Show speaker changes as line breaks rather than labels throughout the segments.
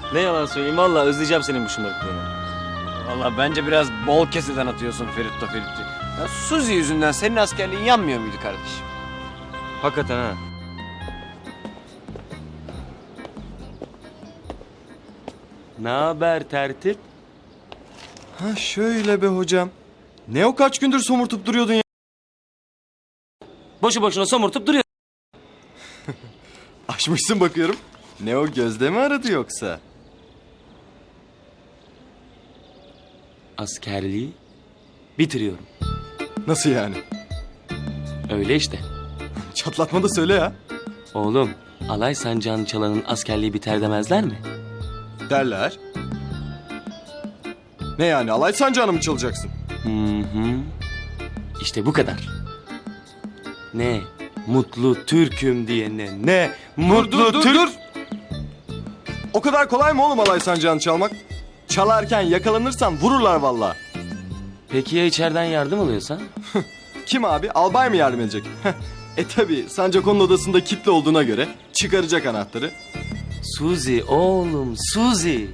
Ne yalan söyleyeyim, vallahi özleyeceğim senin bu şımarıklığını.
Vallahi bence biraz bol keseden atıyorsun Ferit'to Ferit'i. Ya Suzi yüzünden senin askerliğin yanmıyor muydu kardeşim?
Hakikaten ha. Ne haber tertip?
Ha şöyle be hocam. Ne o kaç gündür somurtup duruyordun ya?
Boşu boşuna somurtup duruyor.
Açmışsın bakıyorum. Ne o gözde mi aradı yoksa?
Askerliği bitiriyorum.
Nasıl yani?
Öyle işte.
Çatlatma da söyle ya.
Oğlum, alay sancağını çalanın askerliği biter demezler mi?
Derler. Ne yani alay sancağını mı çalacaksın?
Hı. İşte bu kadar. Ne mutlu Türk'üm diyene ne mutlu Türk.
O kadar kolay mı oğlum alay sancağını çalmak? Çalarken yakalanırsan vururlar vallahi.
Peki ya içeriden yardım alıyorsan?
Kim abi? Albay mı yardım edecek? Tabi Sancako'nun odasında kilitli olduğuna göre çıkaracak anahtarı.
Suzi oğlum, Suzi.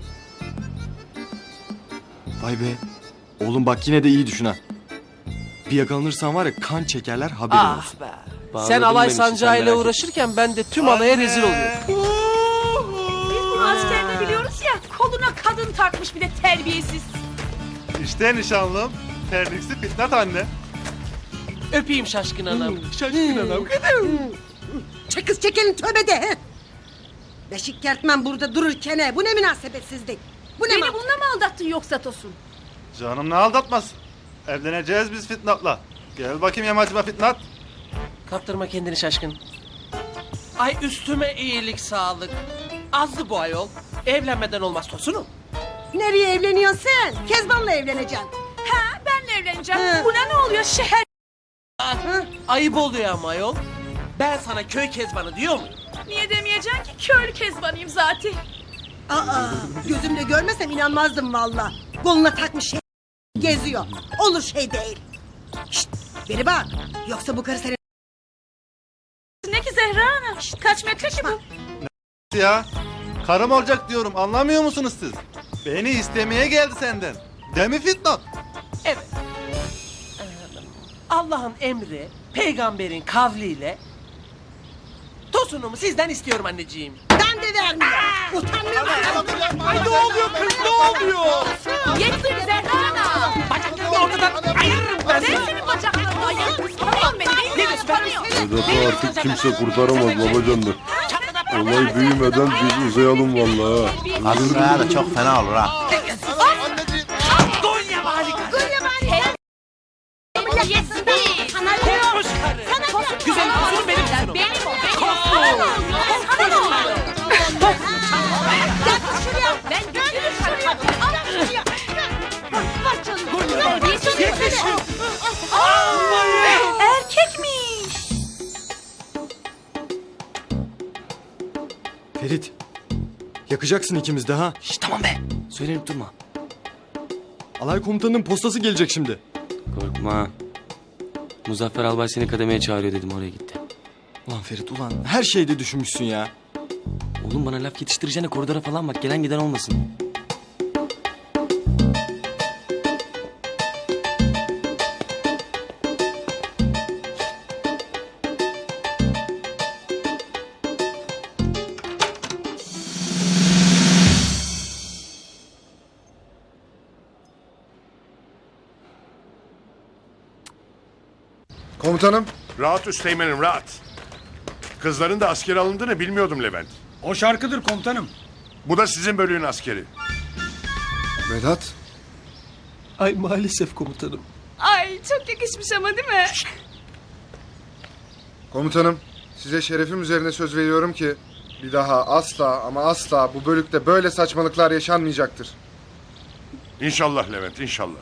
Vay be. Oğlum bak yine de iyi düşün ha. Bir yakalanırsan var ya kan çekerler haberin olsun.
Be.
Bağladın
Sen alay
beni, sen
sancağıyla
merak
uğraşırken ben de tüm alaya rezil oluyorum.
Biz bunu askerde biliyoruz ya, koluna kadın takmış bir de terbiyesiz.
İşte nişanlım. Terliksi Fitnat anne.
Öpeyim şaşkın anam.
Şaşkın adam.
Çek kız çekelim tövbe de. He. Beşik kertmen burada dururken he. Bu ne münasebetsizlik? Bu ne
Beni
mal?
bununla mı aldattın yoksa Tosun?
Canım ne aldatmaz. Evleneceğiz biz Fitnat'la. Gel bakayım yamacıma Fitnat.
Kaptırma kendini şaşkın. Ay üstüme iyilik sağlık. Azdı bu ayol. Evlenmeden olmaz Tosun'um.
Nereye evleniyorsun sen? Kezban'la evleneceksin.
Ha, benle evleneceğim.
He.
Buna ne oluyor şeher?
Ayıp oluyor ama ayol. Ben sana köy kezbanı diyor muyum?
Niye demeyeceksin ki köylü kezbanıyım zaten.
Aa, gözümle görmesem inanmazdım valla. Koluna takmış şey geziyor. Olur şey değil. Şşt, beni bak. Yoksa bu karı senin...
Ne ki Zehra Ana? Kaç metre ki bu?
Ya. Karım olacak diyorum anlamıyor musunuz siz? Beni istemeye geldi senden. Değil mi Fitnat?
Evet. Allah'ın emri, peygamberin kavliyle Tosun'umu sizden istiyorum anneciğim.
Ben de vermiyorum. Utanmıyor musun?
Ay ne oluyor kız ne oluyor?
Yeter Zehra Ana!
Bacaklarını ortadan ayırırım ben
Ben
seni.
senin bacaklarını ayırırım. Tanıyorum beni değil mi?
Ne diyorsun?
Tanıyorum.
Vedat'ı artık kimse kurtaramaz babacanlar. Olay büyümeden biz uzayalım vallahi.
Aslında da çok fena olur ha.
Gonya harika.
Terbiyesiz. Sana
Kokmuş karı. Güzel kuzum benim kuzum.
Benim o. Benim.
Kokmuş.
Sana ne oldu? Ben götürürüm sana. Al şuraya. Bak canım. Terbiyesiz. Erkekmiş.
Ferit. Yakacaksın ikimiz de ha.
Şş, tamam be. Söylenip durma.
Alay komutanının postası gelecek şimdi.
Korkma. Muzaffer Albay seni kademeye çağırıyor dedim, oraya gitti.
Ulan Ferit ulan her şeyde düşünmüşsün ya.
Oğlum bana laf yetiştireceğine koridora falan bak, gelen giden olmasın.
Komutanım. Rahat üsteğmenim rahat. Kızların da asker alındığını bilmiyordum Levent.
O şarkıdır komutanım.
Bu da sizin bölüğün askeri.
Vedat.
Ay maalesef komutanım.
Ay çok yakışmış ama değil mi?
Komutanım, size şerefim üzerine söz veriyorum ki bir daha asla ama asla bu bölükte böyle saçmalıklar yaşanmayacaktır.
İnşallah Levent inşallah.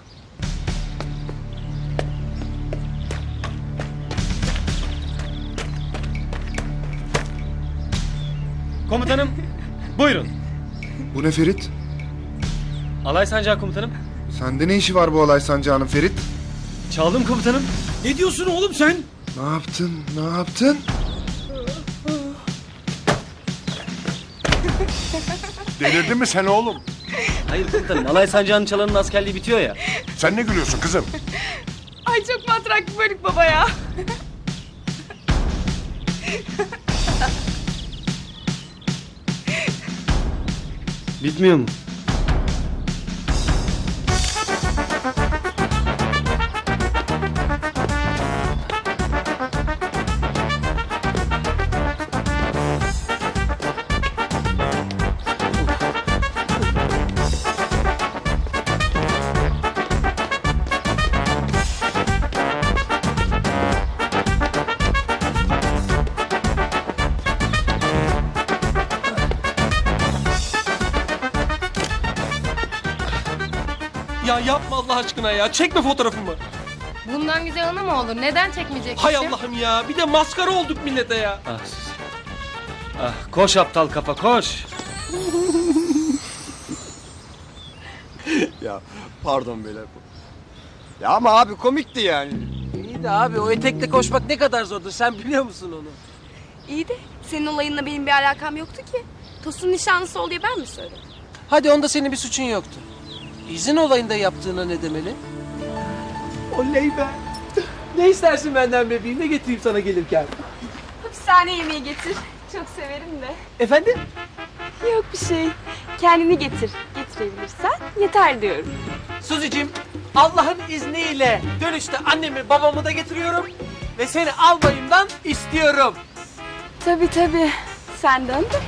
Komutanım buyurun.
Bu ne Ferit?
Alay sancağı komutanım.
Sende ne işi var bu olay sancağının Ferit?
Çaldım komutanım. Ne diyorsun oğlum sen?
Ne yaptın? Ne yaptın?
Delirdin mi sen oğlum?
Hayır komutanım, alay sancağının çalanın askerliği bitiyor ya.
Sen ne gülüyorsun kızım?
Ay çok matrak bir bölük baba ya.
Bitmiyor mu?
Ya yapma Allah aşkına ya. Çekme fotoğrafımı.
Bundan güzel anı mı olur? Neden çekmeyeceksin?
Hay Allah'ım ya. Bir de maskara olduk millete ya.
Ah Suzi. Ah, koş aptal kafa koş.
Ya pardon beyler. Ya ama abi komikti yani.
İyi de abi o etekle koşmak ne kadar zordur. Sen biliyor musun onu?
İyi de senin olayınla benim bir alakam yoktu ki. Tosun nişanlısı ol diye ben mi söyledim?
Hadi onda senin bir suçun yoktu. İzin olayında yaptığına ne demeli? Oley be. Ne istersin benden bebeğim? Ne getireyim sana gelirken?
Hapishane yemeği getir. Çok severim de.
Efendim?
Yok bir şey. Kendini getir. Getirebilirsen yeter diyorum.
Suzi'cim, Allah'ın izniyle dönüşte annemi babamı da getiriyorum. Ve seni albayımdan istiyorum.
Tabii tabii. Sen dön de.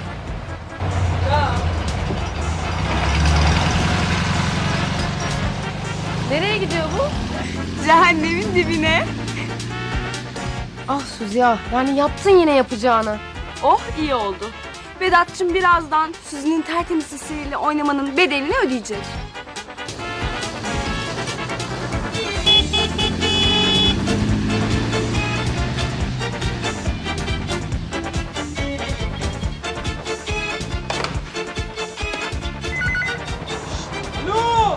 Nereye gidiyor bu? Cehennemin dibine. Ah Suzi ya, yani yaptın yine yapacağını. Oh iyi oldu. Vedat'cığım birazdan Suzi'nin tertemiz sesiyle oynamanın bedelini ödeyecek.
Alo!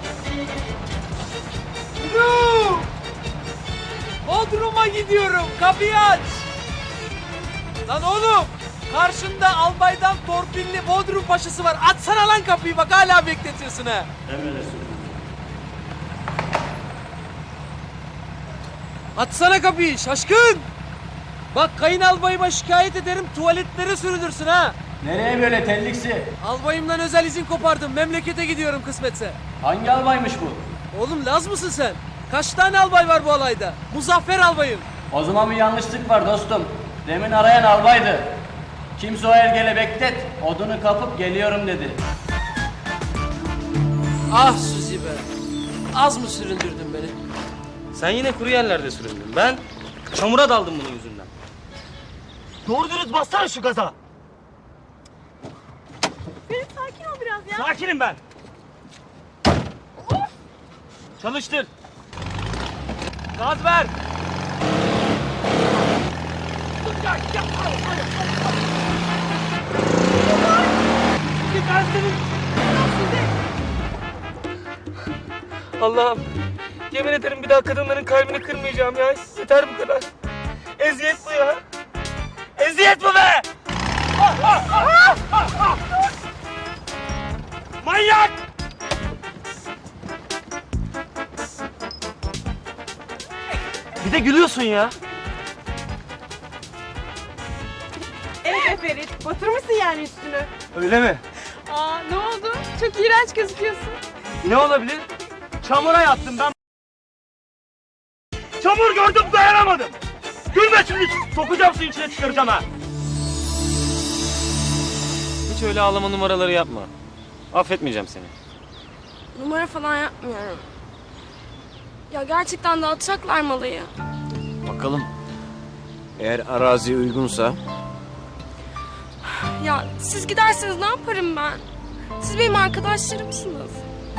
Alo! Bodrum'a gidiyorum. Kapıyı aç. Lan oğlum! Karşında albaydan torpilli Bodrum paşası var. Açsana lan kapıyı bak hala bekletiyorsun ha. Açsana kapıyı şaşkın. Bak kayınalbayıma şikayet ederim tuvaletlere sürülürsün ha.
Nereye böyle telliksi?
Albayımdan özel izin kopardım. Memlekete gidiyorum kısmetse.
Hangi albaymış bu?
Oğlum Laz mısın sen? Kaç tane albay var bu alayda? Muzaffer albayım.
O zaman bir yanlışlık var dostum. Demin arayan albaydı. Kimse o ergele beklet. Odunu kapıp geliyorum dedi.
Ah Suzi be. Az mı süründürdün beni?
Sen yine kuru yerlerde süründün. Ben çamura daldım bunun yüzünden. Doğru dürüst bassana şu gaza.
Ferit sakin ol biraz ya.
Sakinim ben. Çalıştır. Gaz ver. Allah'ım, yemin ederim bir daha kadınların kalbini kırmayacağım ya. Yeter bu kadar. Eziyet bu ya. Eziyet bu be! Manyak! Bir de gülüyorsun ya.
Evet Ferit, batırmışsın yani üstünü.
Öyle mi?
Aa ne oldu? Çok iğrenç gözüküyorsun.
Ne olabilir? Çamura yattım ben. Çamur gördüm dayanamadım. Gülme şimdi sokacağım suyun içine çıkaracağım ha. Hiç öyle ağlama numaraları yapma. Affetmeyeceğim seni.
Numara falan yapmıyorum. Ya gerçekten dağıtacaklar malıyı.
Bakalım. Eğer arazi uygunsa.
Ya siz giderseniz ne yaparım ben? Siz benim arkadaşlarımsınız.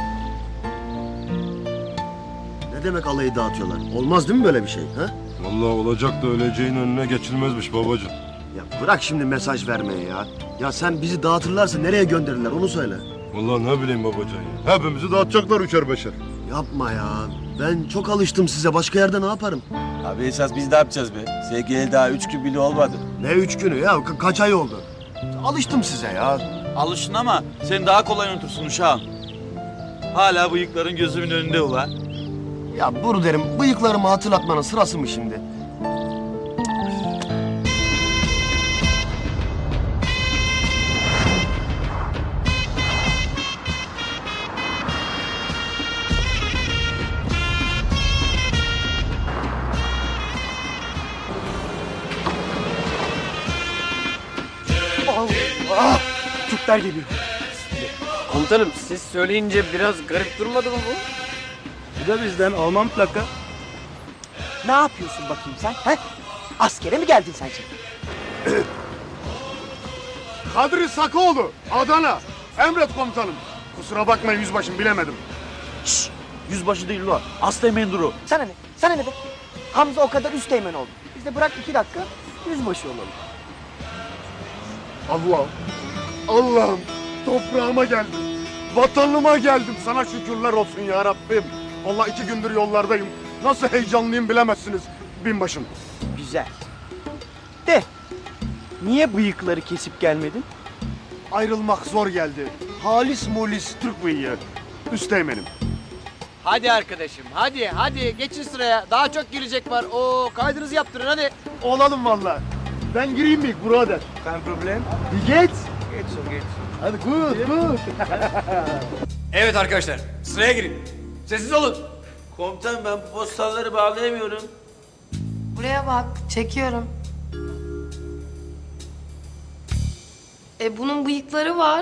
Ne demek alayı dağıtıyorlar? Olmaz değil mi böyle bir şey? Ha?
Vallahi olacak da öleceğin önüne geçilmezmiş babacığım.
Ya bırak şimdi mesaj vermeyi ya. Ya sen bizi dağıtırlarsa nereye gönderirler onu söyle.
Vallahi ne bileyim babacan ya. Hepimizi dağıtacaklar üçer beşer.
Yapma ya. Ben çok alıştım size. Başka yerde ne yaparım?
Abi esas biz ne yapacağız be? Sevgili daha 3 gün bile olmadı.
Ne 3 günü ya? Kaç ay oldu? Alıştım size ya.
Alışın ama sen daha kolay unutursun uşağım. Hala bıyıkların gözümün önünde ula.
Ya Buru derim, bıyıklarımı hatırlatmanın sırası mı şimdi?
Allah! Türkler geliyor. Komutanım siz söyleyince biraz garip durmadı mı bu?
Bu da bizden Alman plaka.
Ne yapıyorsun bakayım sen? He? Askere mi geldin sen şimdi?
Kadri Sakoğlu, Adana. Emret komutanım. Kusura bakmayın yüzbaşım, bilemedim.
Şşş! Yüzbaşı değil ula. Asteğmen duru.
Sana ne? Sana ne be? Hamza o kadar üsteğmen oldu. Biz de bırak 2 dakika yüzbaşı olalım.
Allah'ım, toprağıma geldim. Vatanıma geldim. Sana şükürler olsun ya Rabbim. Vallahi 2 gündür yollardayım. Nasıl heyecanlıyım bilemezsiniz binbaşım.
Güzel. De, niye bıyıkları kesip gelmedin?
Ayrılmak zor geldi. Halis mulis Türk bıyığı. Üsteğmenim.
Hadi arkadaşım hadi geçin sıraya. Daha çok girecek var. Oo kaydınızı yaptırın hadi.
Olalım vallahi. Ben gireyim mi birader?
Kein problem.
Bir geç.
Geç so geç.
Hadi good.
Evet arkadaşlar sıraya girin. Sessiz olun.
Komutan ben bu postalları bağlayamıyorum.
Buraya bak, çekiyorum. Bunun bıyıkları var.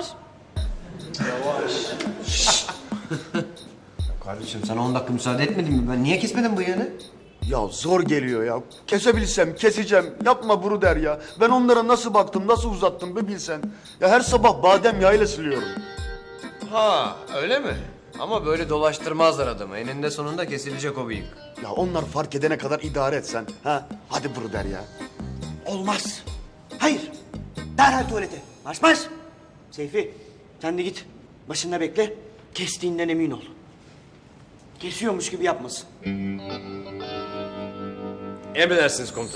Kardeşim sana 10 dakika müsaade etmedin mi? Ben niye kesmedim bıyığını?
Ya zor geliyor ya. Kesebilsem keseceğim. Yapma Buru der ya. Ben onlara nasıl baktım, nasıl uzattım bir bilsen. Ya her sabah badem yağıyla siliyorum.
Ha öyle mi? Ama böyle dolaştırmazlar adamı. Eninde sonunda kesilecek o bıyık.
Ya onlar fark edene kadar idare etsen. Ha? Hadi Buru der ya.
Olmaz. Hayır. Derhal tuvalete. Marş marş. Seyfi sen de git. Başında bekle. Kestiğinden emin ol. Kesiyormuş gibi yapmasın.
Emredersiniz komutanım.